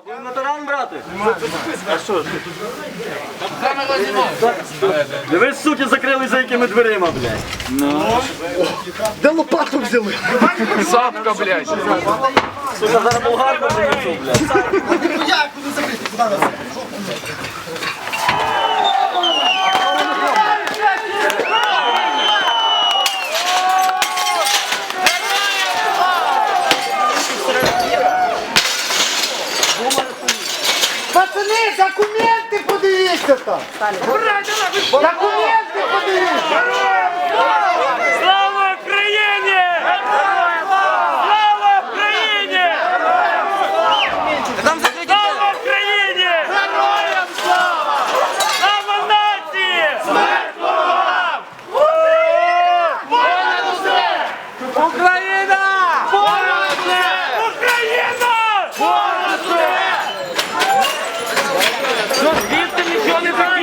Будемо на таран брати? А що ж? Дивись, суки, закрили за якими дверима, блядь. Де лопату взяли? Сапка, блядь. Сука, зараз болгарку принесу, блядь. Як буде закрити? Куди нас? Пацани, документи подивіться там! Документи подивіться! Слава Україні! Слава Україні! Слава Україні! Героям слава! Слава нації! Смерть ворогам! Понад усе! Україна! Понад усе! Україна! Понад усе! Звідти нічого не